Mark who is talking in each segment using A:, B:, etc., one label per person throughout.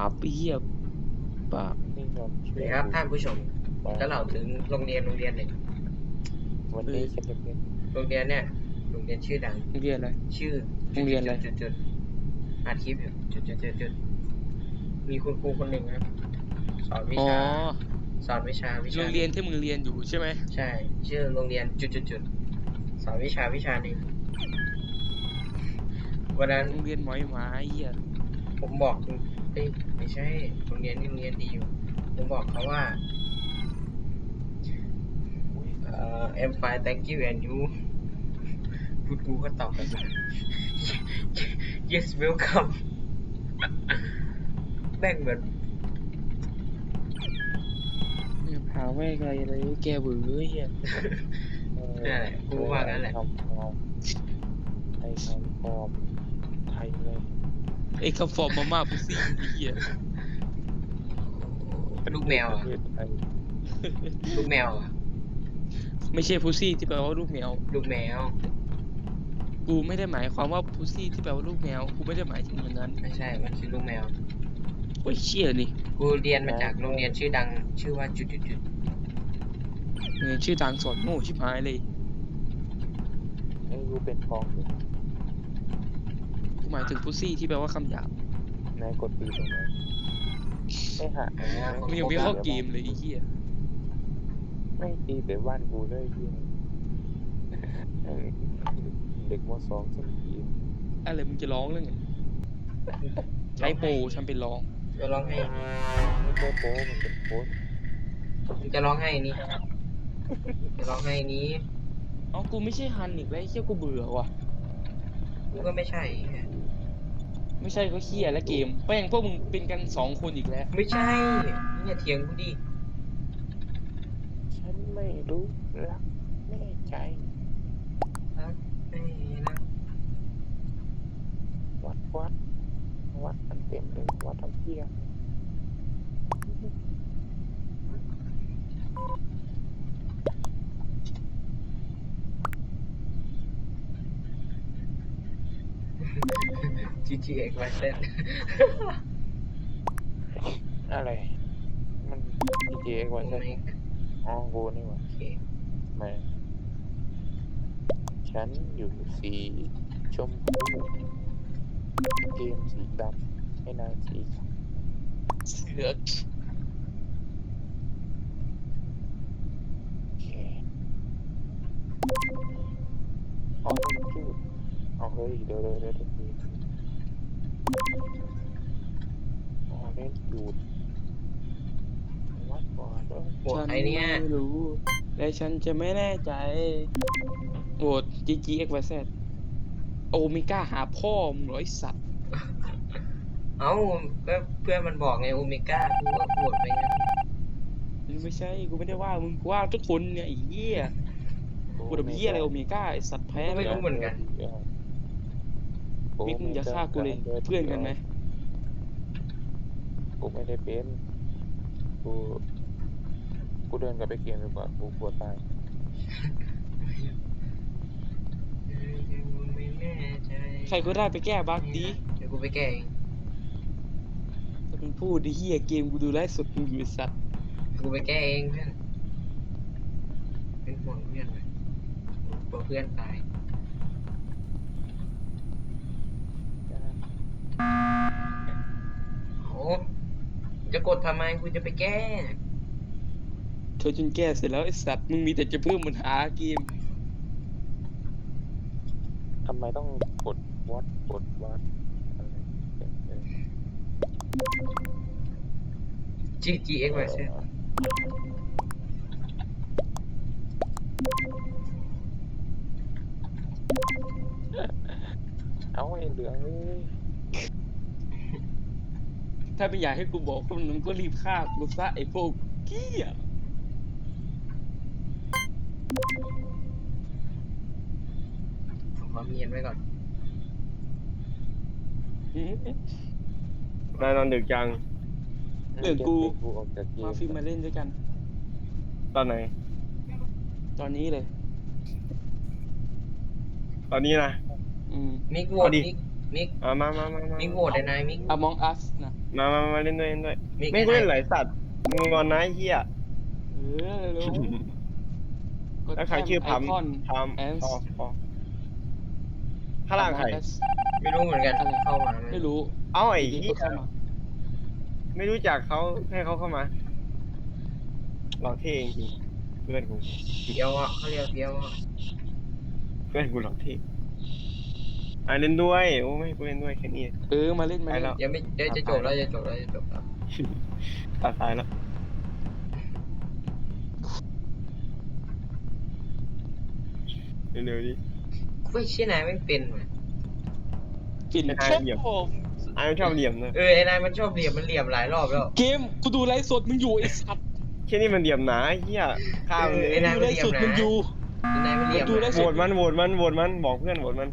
A: บไอ้เหี้ยบาป
B: นี่ยอมเชื่อ
C: นะครับท่านผู้ชม
B: มา
C: จะเล่าถึงโรงเรียนหนึ่ง
B: วันนี้ฉันจะเป็น
C: โรงเรียนเนี่ยโรงเรียนชื่อดัง
A: โรงเรียนอะไร
C: ชื่อ
A: โรงเรียนอะไร
C: จุดอัดคลิปอยู่จุดมีคุณครูคนหนึ่งครับสอนวิ
A: อ๋อ
C: ชาสอนวิชา
A: โรงเรียนที่มึงเรียนอยู่ใช่ไหม
C: ใช่ ชื่อโรงเรียนจุดสอนวิชาหนึ่งวันนั้น
A: โรงเรียนหมอยหมาไอ้เหี้ย
C: ผมบอกเอ้ยไม่ใช่โรงเรียนนี่โรงเรียนดีอยู่ผมบอกเขาว่าI'm fine thank you and you คุณครูก็ตอบกลับมา yes welcome แม่งเหมือน
A: หาแม่งอะไรแกเบื่อไอ้เหี้ย
C: นั่นแหละกูว่างั้นแหละ
B: ทำฟอร์มไทยทำฟอร์มไทยเลย
A: ไอ้คำฟอร์มมาม่าพุซี่ไอ้เหี้ย
C: ลูกแมวอ่ะ
B: ประเทศไทย
C: ลูกแมวอ่ะ
A: ไม่ใช่พุซี่ที่แปลว่าลูกแมว
C: ลูกแมว
A: กูไม่ได้หมายความว่าพุซี่ที่แปลว่าลูกแมวกูไม่ได้หมายถึงอย่างนั้น
C: ไม่ใช่มันคือลูกแมว
A: โอ้ยเชี่ยนี่
C: กูเรียนมาจากโรงเรียนชื่อดัง ชื่อว่าจุด
A: เงินชื่อดังสอนโง่ชิบหายเลย
B: ไอ้กูเป็นฟองอยู่
A: กูหมายถึงพุซี่ที่แปลว่าคำหยาบ
B: นายกดตีตรงไหนไม่หา
A: มึงยังไม่เข้าเกมเลยไอ้เหี้ย
B: ไม่ตีแต่บ้านกูเลยที่เด็กมสองฉันตี
A: อะไรมึงจะร้องเรื่องไงใช้โปรฉันเป็นร้อง
C: จะร้องให้
B: ไม่ใช่โป๊มันเป็นโป๊
C: มันจะร้องให้นี่จะร้องให้นี้
A: เอ้ากูไม่ใช่ฮันอีกแล้วไอ้เหี้ยกูเบื่อว่ะ
C: กูก็ไม่ใช่
A: ไม่ใช่ก็เหี้ยและเกมแป้งพวกมึงเป็นกัน2 คนอีกแล้ว
C: ไม่ใช่เนี่ยเถียงกูดิ
B: ฉันไม่รู้รักแน่ใจ
C: ครับเอ้ยนะ
B: วัดมันเต็มเลยวัดทำเพี้ย
C: GTX ไวเส้น
B: อะไร มัน GTA กว่าใช่ไหมอ๋อกูนี่หว่า
C: โอเค
B: แม่ฉันอยู่สีชมพูเกมสีดำให้นายสีขาว
A: เสือก
B: โอเคอ๋อนี่มันจูดเอาเฮ้ยเดี๋ยวอ๋อเล่นจูดวัดก่อนเลย
C: โหวตไอเนี้ย
A: ฉัไม่รู้และฉันจะไม่แน่ใจโหวต GGXYZ โอเมก้าหาพ่อมึงเหรอไอ้สัตว์
C: เอ้าก็เพื่อนมันบอกไงโอเมก้ากูก็โหวตไปงั้น
A: ไม่ใช่กูไม่ได้ว่ามึงกูว่าทุกคนเนี่ยไอ้เหี้ยกูแบบเหี้ยอะไรโอเมก้าไอ้สัตว์แพ้
C: ไม่
A: เลย
C: รู้เหมือนกัน
A: มิกมึงจะฆ่ากูเลยเพื่อนกันไหม
B: กูไม่ได้เป็นกูเดินกลับไปเกมดีกว่ากูกลัวตาย
C: ไม่แน่ใจ
A: ใครก็ได้ไปแก้บั๊กดี
C: เดี๋ยวกูไปแก้เอง
A: แต่มึงพูดไอ้เหี้ยเกมกูดูไลฟ์สดมึงอยู่ไอ้สัตว์
C: กูไปแก้เองเพื่อนเป็นห่วงเพื่อนเลยกลัวเพื่อนตายโอ้จะกดทำไมกูจะไปแก้
A: เธอจนแก้เสร็จแล้วไอ้สัตว์มึงมีแต่จะเพิ่มปัญหาเกม
B: ทำไมต้องกดวัดอะไร
C: GTX ไว้เช่น
B: เอาไอ้เหลืองเอ้ย
A: ถ้าไม่อยากให้กูบอกคนมึงก็รีบฆ่ากูซะไอ้พวกเกี้ย
C: ขอเมียนไว้ก่อน
D: นายนอนดึกจัง
A: เรื่องกู
B: กูออกจากเกม
A: มาฟิล์มมาเล่นด้วยกัน
D: ตอนไหน
A: ตอนนี้เลย
D: ตอนนี้นะ
C: มิกโหว
D: เอา
C: ต
D: ดิ
C: มิกมิก
D: มา
C: มิกโหวตได้นายมิก
A: Among Us นะ
D: มาเล่นด้วยเล่นด้วย
C: มิก
D: ไม่กูเล่นหลายสัตว์มึงงอนนะไอ้เหี้ย
A: เร็วกด
D: แล้วใครชื่อพัม
A: ไอคอน
D: พัม
A: แอน
D: พอข้างล่างใคร
C: ไม่รู้เหมือนกันเข้ามา
A: ไม่รู้
D: เอ้าไอ้
A: ดี
D: เหี้
A: ๆ
D: ย
A: ก็เข้ามา
D: ไม่รู้จักเขาให้เขาเข้ามาหลอกเท่จริงเพื่อนกู
C: เฟี้ยวอ่ะเขาเรียกเฟี้ยวอ่ะ
D: เพื่อนกูหลอกเท่เล่นด้วยโอ้ไม่ให้กูเล่นด้วยแค่นี้
A: มาเล่นมา
D: ไป
A: เล่น
D: แล้ว
C: ยังไม่เดี๋ยวจะจบแล้วจะจบแล้ว
D: ตัดสายแล้วเร็วๆดิ
C: กูไม่เชื่อนายไม่เป็นว่ะ
A: กิน
D: ไม่ได้
A: ชอบ
D: เหยียบ
A: ผม
D: มันชอบเหลี่ยมนะ
C: ไอ้นายมันชอบเหลี่ยมมันเหลี่ยมหลายรอบแล้ว
A: เกมกูดูไลฟ์สดมึงอยู่ไอ้สัตว์
D: แค่นี้มันเหลี่ยมหนาไอ้เหี้ยข้ามเลย
C: ไอ้นาย
A: ดูไลฟ์สดมึงอยู่
C: นายมันเหลี่ยม
A: ดูได้
D: โหวตมันบอกเพื่อนโหวตมัน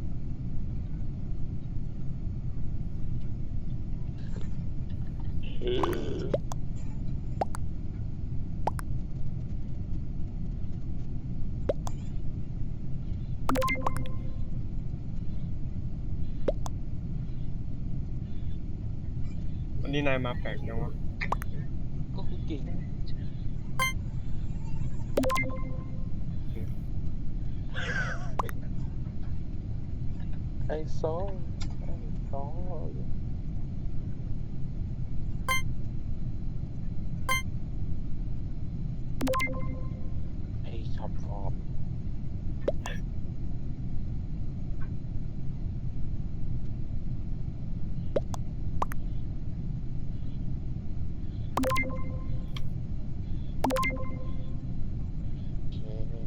D: วันนี้นายมาแปลกจังวะ
A: ก็กูเก่ง
B: ไอ้ซองไอ้คำฟอร์มโอเค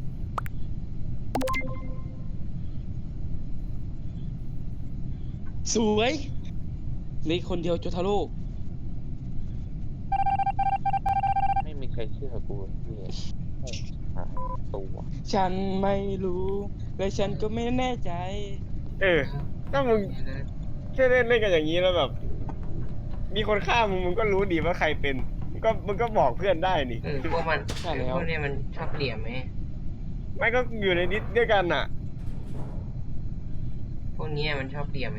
A: สวยเหลยคนเดียวโจทาโร่
B: ไม่มีใครเชื่อกูที่หายตัว
A: ฉันไม่รู้ และฉันก็ไม่แน่ใจ
D: ถ้ามึงแค่เล่นกันอย่างนี้แล้วแบบ มีคนฆ่ามึงก็รู้ดีว่าใครเป็นมึงก็บอกเพื่อนได้นี่
C: พวกมัน
A: ใช่แล้ว
C: พวกนี้มันชอบเหลี่ยมไหม
D: ไม่ก็อยู่ในดิสด้วยกันน่ะ
C: พวกนี้มันชอบเหลี่ยมไหม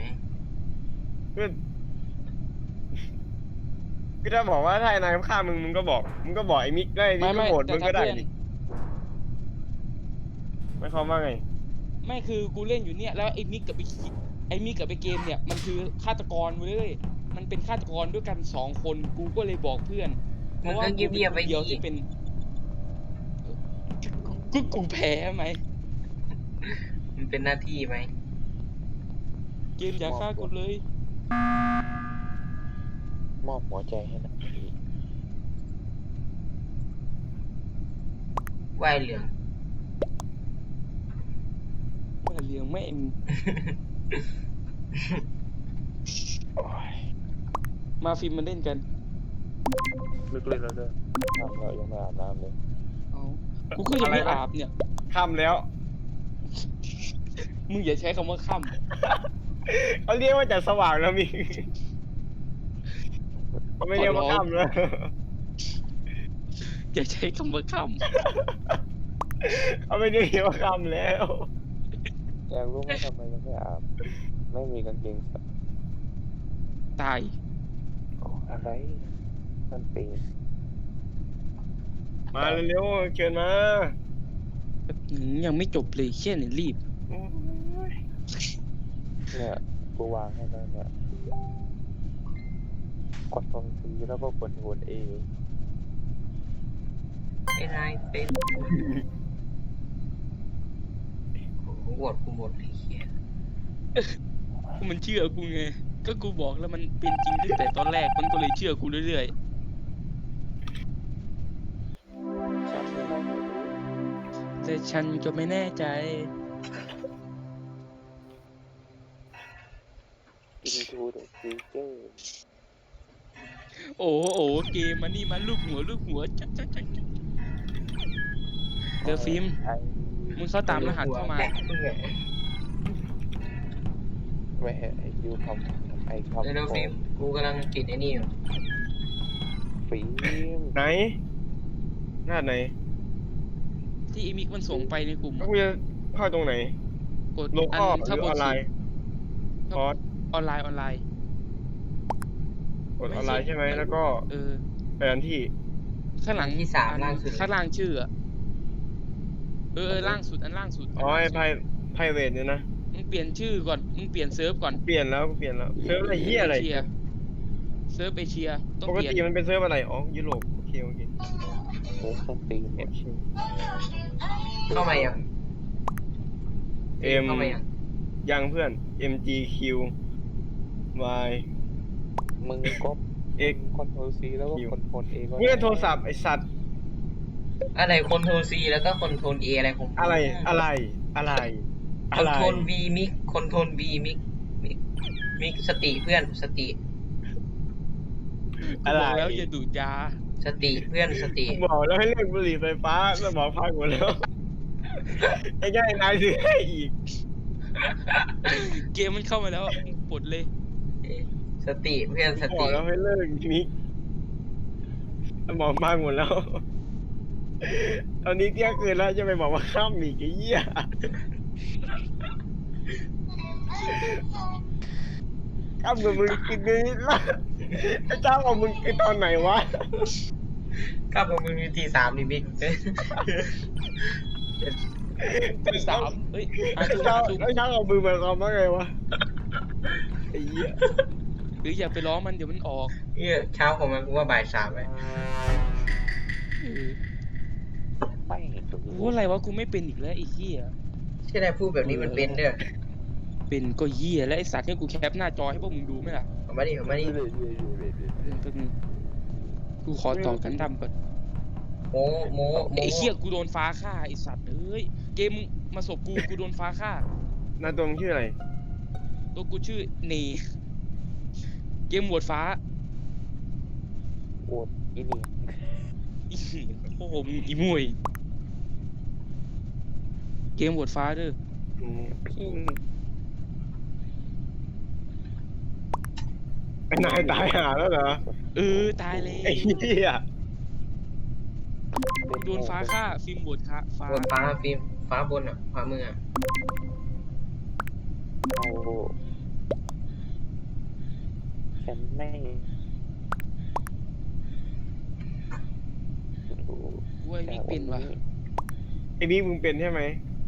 D: ก็ถ้าบอกว่าถ้าไอ้นายฆ่ามึงก็บอกไอ้มิกได้นี่ก็โหวตมึงก็ได้นี่ไม่ความว่าไง
A: ไม่คือกูเล่นอยู่เนี่ยแล้วไอ้มิกกับไอ้เกมเนี่ยมันคือฆาตกรเว้ยมันเป็นฆาตกรด้วยกัน2 คนกูก็เลยบอกเพื่อนเพ
C: มัน
A: ราะว่า
C: ก็
A: กู
C: เงียบๆไป
A: เป็นคนเดียวที่เป็นกูแพ้ไหม
C: มันเป็นหน้าที่ไหม
A: เกมอย่าฆ่ากูเลย
B: มอบหัวใจให้นะพี่
C: ว่ายเหลือง
A: ว่าเลี้ยงแม่ง
B: โอ้ย
A: มาฟิล์มมาเล่นกัน
B: ลึกเลยแล้วเด้อทำแล้วยังไม่อาบน้ำเลย
A: เอากูก็ยังไม่อาบเนี่ย
D: ค่ำแล้ว
A: มึงอย่าใช้คำว่าค่
D: เขาเรียกว่าจะสว่างแล้วมิกเขาไม่เรียกว่าค่ำแล้ว
A: ำอย่าใช้คำว่าค่
D: เขาไม่ได้เรียกว่าค่ำแล้ว
B: อยากรู้ไหมทำไมยังไม่อาบ ไม่มีกางเกงใส่
A: ำตาย
B: โอ้อะไรมันเป็น
D: มาเร็วๆเชิญมา
A: ยังไม่จบเลยเชี่ยเนี่ยรีบ
D: โอ้ย
B: เนี่ยกูวางให้แล้วเนี่ยกดตรงซีแล้วก็กดโหวตเอ
C: ไอ้นายเป็นโอ้โหโหวตกูหมดเลยเฮีย
A: กูมันเชื่อกูไง ก็กูบอกแล้วมันเป็นจริงตั้งแต่ตอนแรกมันก็เลยเชื่อกูเรื่อย
B: ฉันไม่รู้
A: ๆ แต่ฉันก็ไม่แน่ใจ
B: Into the future
A: โอ้เกมมันนี่มันลูกหัวจักเดอะฟิล์ม
B: ไอ้
A: มึงเข้าตามรหัสเข้ามา
C: แตะมึงอะ
B: ไม่ไอ้ยูคำไอ้คำ
C: เร็วๆฟิล์มกูกำลังติดไอ้นี่อยู่
B: ฟิล์ม
D: ไหนหน้าไหน
A: ที่อีมิกมันส่งไปในกลุ่ม
D: แล้วกูจะเข้าตรงไหน
A: กด
D: โล
A: อั
D: คอล
A: น
D: ห
A: ถ้า
D: รือบ ออน นไล
A: สุด
D: น์คอร์ส
A: ออนไลน์
D: กดออนไลน์ใช่ไหมแล้วก็
A: เออ
D: แผนที่
A: ข้างหลัง
C: ที่สาม
A: อัน
C: ล่างสุดเลย
A: ข้างล่างชื่ออะล่างสุดอันล่างสุด
D: อ๋อไอ้ไพรเวทเนี่ยนะ
A: มึงเปลี่ยนชื่อก่อนมึงเปลี่ยนเซิร์ฟก่อน
D: เปลี่ยนแล้วเซิร์ฟอะไรเหี้ยอะไร
A: เชียเซิร์ฟเอเชียต้อง
D: ปก
A: เปลี่ยน
D: ติมันเป็นเซิร์ฟอะไรอ๋อยุโรปโอเค
B: เซิร์ฟสตรีมเนี่ย
C: เข้ามายัง
D: เอ็ม
C: เข้ามายัง
D: ยังเพื่อน MGQ Y
B: มึงก็
D: X
B: คอนโทรลซีแล้วก็คอนโทรลเอก็
D: นี่โทรศัพท์ไอสัตว์
C: อะไรคอนโทรล C แล้วก็คอนโทรล A อะไรของมึง
D: อะไร
C: คอนโทรล V มิกคอนโทรล V มิกสติเพื่อนสติ
A: กูบอกแล้วอย่าดูดยา
C: สติเพื่อนสติ
D: บอกแล้วให้เลิกบุหรี่ไฟฟ้าสมองพังหมดแล้วไอ้แก่นายซื้อให้อีก
A: เกมมันเข้ามาแล้วมึงปลดเลย
C: สติเพื่อนส
D: บอ
C: ติ
D: กแล้วให้เลิกมิกสมองพังหมดแล้ว ตอนนี้เที่ยงคืนแล้วจะไปบอกว่าข้ามอีกไอ้เหี้ยข้ามกับมึงกินนี้ละไอ้เจ้าของมึงกินตอนไหนวะ
C: กลับมามึงมีทีสามนี่มิก
A: ที่สามเฮ้ย
D: ไอ้เจ้าของมึงหมายความว่าไงวะไอ้เหี้ย
A: หรืออย่าไปล้อมันเดี๋ยวมันออก
C: เนี่ยเช้าของมันกูว่าบ่ายสามเลย
B: ไม่ดู
A: กูอะไรวะกูไม่เป็นอีกแล้วไอ้เหี้ย
C: ใช่ได้พูดแบบนี้มันเป็นเด้อ
A: เป็นก็เหี้ยแล้วไอ้สัตว์เนี่ยกูแคปหน้าจอให้พวกมึงดูไหมล่ะ
C: เอามาดิเอามาดิ
A: แป๊บนึงกูขอต่อกันดำก่อน
C: โม
A: ไอ้เหี้ยกูโดนฟ้าฆ่าไอ้สัตว์เอ้ยเกมมึงมาสบกูโดนฟ้าฆ่า
D: นาตัวมึงชื่ออะไร
A: ตัวกูชื่อเนเกมโหวดฟ้า
B: โอดอีนี่
A: อีโอ้โหมึงอีมวยเกมโหวดฟ้าเด้อ
B: พี่
D: ไอ้นายตายหาแล้วเหรอ
A: ตายเลย
D: ไอ้เหี้ย
A: โดนฟ้าฆ่าฟิล์มโหวดฆ่าฟ้า
C: บนฟ้าฟิล์มฟ้าบนอ่ะฟ้ามืออ่ะ
B: เอาฉันไม่ดู
A: กูไอ้มิกเป็นวะ
D: ไอ้บิ๊กมึงเป็นใช่ไหม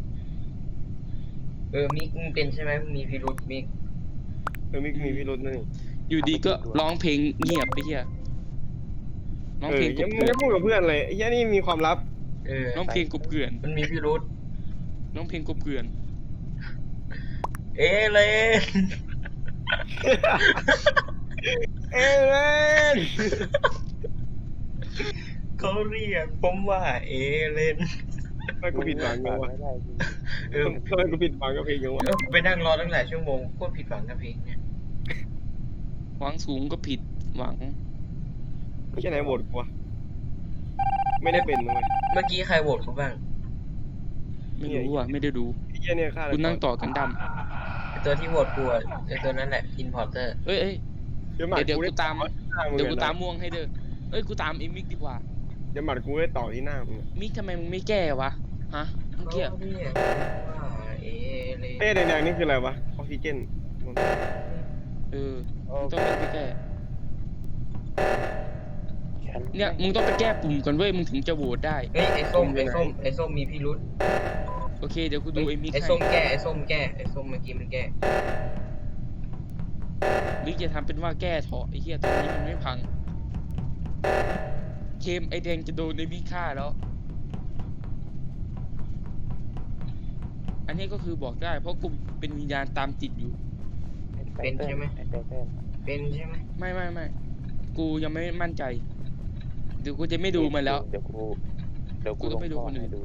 C: มิกมึงเป็นใช่ไหมมึงมีพิรุธมิก
D: มิกมีพิรุธนั่นนี่
A: อยู่ดีก็ร้องเพลงเงียบไปเฮียร้องเพลงก
D: ยั
A: บ
D: ง
A: เกลื่
D: ไม่
A: อน
D: พูดกับเพื่อนเลยไอ้เหี้ยนี่มีความลับ
A: ร้องเพลงกบเกลื่อน
C: มันมีพิรุธ
A: ร้องเพลงกบเกลื่อน
C: เอเลน
D: เอเลน
C: เขาเรียกผมว่าเอเลน
D: ทำไมกูผิดหวังยังวะ
B: ไม่ได้จริง
D: ทำไมกูผิดหวังกับเพลงยังวะ
C: ไปนั่งรอตั้งหลายชั่วโมงโคตรผิดหวังกับเพลงเนี่ย
A: หวังสูงก็ผิดหวัง
D: ไม่ใช่ไหนโหวตกูวะไม่ได้เป็นเลย
C: เมื่อกี้ใครโหวตเขาบ้าง
A: ไม่รู้อ่ะไม่ได้ดู
D: ไอ้เหี้ยเนี่ยฆ่า
A: กูนั่งต่อกันด
C: ไอตัวที่โหวตกูอะไอตัวนั้นแหละอินพอร์เตอร์
A: ำเอ้ย
D: เดี๋ยวหมัด
A: เดี๋ยว
D: กู
A: กู
D: ได้
A: ตาม เดี๋ยวกูตามม่วงให้เด้อเอ้ยกูตามไอ้มิกดีกว่า
D: เดี๋ยวหมัดกูได้ต่อที่หน้ามึง
A: มิกทำไมมึงไม่แก้วะฮะเมื่อกี้
C: เขาเรียกผมว่าเอเลน
D: เต้แดงๆนี่คืออะไรวะออกซิเจน
A: มึงต้องไปแก้
B: ฉัน
A: เนี่ยมึงต้องไปแก้ปุ่มก่อนเว้ยมึงถึงจะโหวตได้
C: เฮ้ยไอส้มมีพิรุธ
A: โอเคเดี๋ยวกูดูไอ้มิก
C: ไอ
A: ให้
C: ส้มแก้ไอส้มเมื่อกี้มันแก้
A: หรือจะทำเป็นว่าแก้เถอะไอ้เหี้ยตอนนี้มันไม่พังเกมไอแดงจะโดนไอ้มิกฆ่าแล้ว อันนี้ก็คือบอกได้เพราะกูเป็นวิญญาณตามติดอยู่
C: เป็นใช่ไหม เป็นใช่ไหม
A: ไม่กูยังไม่มั่นใจเดี๋ยวกูจะไม่ดูมันแล้ว
B: เดี๋ยวกู
A: กูต้องไปดูคนอื่น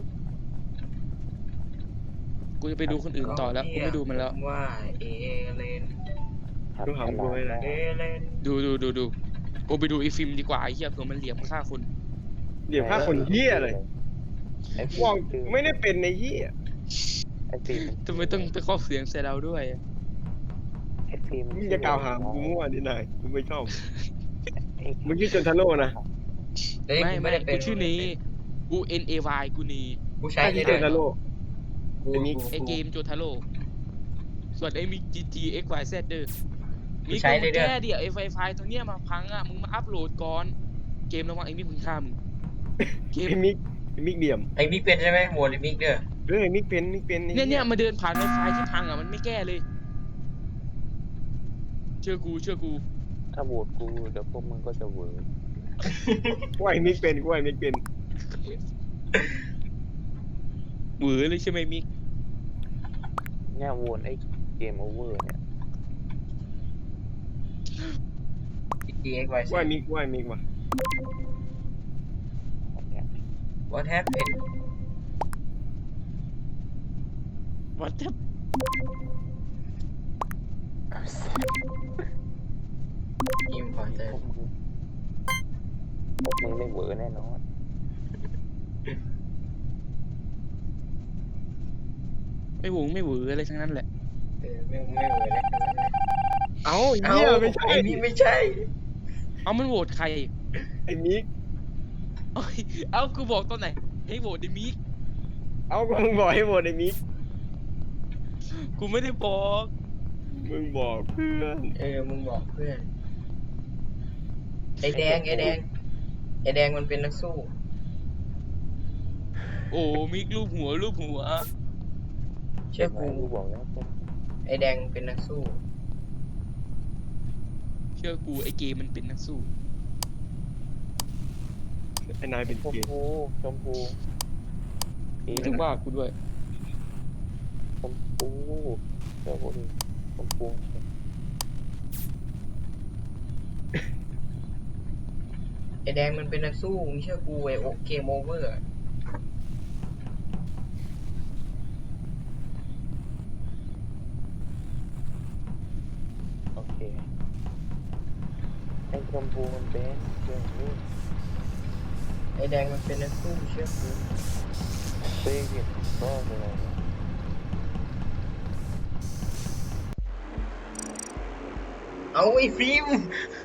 A: กูจะไปดูคนอื่นต่อแล้วกูไม่ดูมันแล้ว
C: เขาเรียกว่าเอเลน
D: ดูหำกูไว้นะ
C: เอเลน
A: ดูกูไปดูไอ้ฟิล์มดีกว่าไอ้เหี้ยเผื่อมันเหลี่ยมฆ่าคน
D: เดี๋ยวฆ่าคนเหี้ยเลย
B: ไอ้
D: ว่องไม่ได้เป็นในเหี้ย
B: ไอ้ฟิล์ม
A: ทำไมต้องไปครอบเสียงใส่เราด้วย
B: ไอ้ฟิล์ม
D: มึงจะกล่าวหากูมั่วดินายกูไม่ชอบมึงชื่อจนทาโร่นะ
C: เฮ้ย
A: ไม่
C: ด้เป็
A: กูชื่อนี้กู NAY กูนี
C: กูใช้
D: ใช่
C: ได้
D: ชื่อ
C: ด้วย
D: จนทาโร่
C: กู
D: ไอ้มิก
A: ไอเกมโจทาโร่ส่วนไอ้มิก GGXYZ เด้อมิก
C: ใช้
A: มึ
C: เลย
A: ง
C: เด้อ
A: แก้ดิไอ้ไฟล์ตัวเนี้ยมาพังอ่ะมึงมาอัพโหลดก่อนเกมระวังไอ้มิกมึงฆ่ามึงเกม
D: ไอ้มิกเดี่ยม
C: ไอ้มิกเป็นใช่ไหมโหวตไอ้มิกเด้อ
D: ไอ้มิกเป็นไอ้
A: เนี่ยมาเดินผ่านในไฟล์ที่พังอ่ะมันไม่แก้เลย เชื่อกู
B: ถ้าโหวตกูเดี๋ยวพวกมึงก็จะเหวอ
D: กูไอ้มิกเป็น
A: หวือเลยใช่ไหมมิก
B: เนี่ยโหวตไอ้เกมโอเวอร์เนี่ย
C: GXYZ
D: กูไอ้มิกว่ะ
B: อันเนี้ย
C: What happened
A: วัดแทบ
C: Importer
B: พวกมึงไม่เหวอแน่นอน
A: ไม่หวืออะไรทั้งนั้นแหละ
C: ไม่เวอร์แล้ว
D: เอ้า
C: เอ้า
D: เหี้ยไม่ใช่
C: ไอ้มิกไม่ใช่
A: เอามันโหวตใคร
D: ไอ้มิก
A: เอากูบอกตอนไหนให้โหวตไอ้มิก
D: เอากูมึงบอกให้โหวตไอ้มิก
A: กูไม่ได้บอก
D: มึงบอกเพื่อน
C: มึงบอกเพื่อน ไอ้แดงมันเป็นนักสู้
A: โอ้มิกรูปหัว
C: เชื่อกู
B: กูบอกแล้วพวก
C: ไอ้แดงเป็นนักสู้
A: เชื่อกูไอ้เกมมันเป็นนักสู้
D: ไอ้นายเป็น
B: ชม
D: เกย์
B: พู
A: ไม่ถึงว่ากูด้วย
B: ชมพูเดี๋ยวพวกนี้ชมพู
C: ไอ้แดงมันเป็นนักสู้มึงเชื่อกูไอ้เกมโอเวอร์
B: โอเคไอ้ชมพูมันเป็นเรื่องนี้
C: ไอ้แดงมันเป็นนักสู้เชื่อกู
B: เต้กินก็เป็นอะไรเนี่ย
C: เอาไอ้ฟิล์ม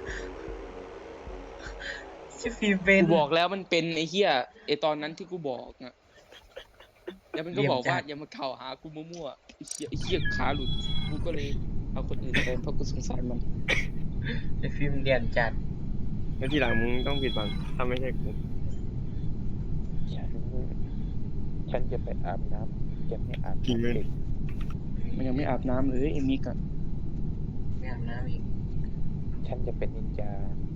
C: ชื่อฟิล์มเป็น
A: กูบอกแล้วมันเป็นไอ้เหี้ยไอ้ตอนนั้นที่กูบอกอะแล้วมันก็บอกว่าอย่ามาเข่าหากูมั่วๆไอ้เหี้ยขาหลุด กูก็เลยเอาคนอื่นแทนเพราะกูสงสารมัน
C: ไอ้ฟิล์มเรียนจัด
D: แล้วทีหลังมึงต้องปิดบังถ้าไม่ใช่กู
B: ฉันจะไปอาบน้ำจะไม่อาบน้ำเด็ก
A: มันยังไม่อาบน้ำเลยไอ้มิกอะ
C: ไม่อาบน้ำอีก
B: ฉันจะเป็นนินจา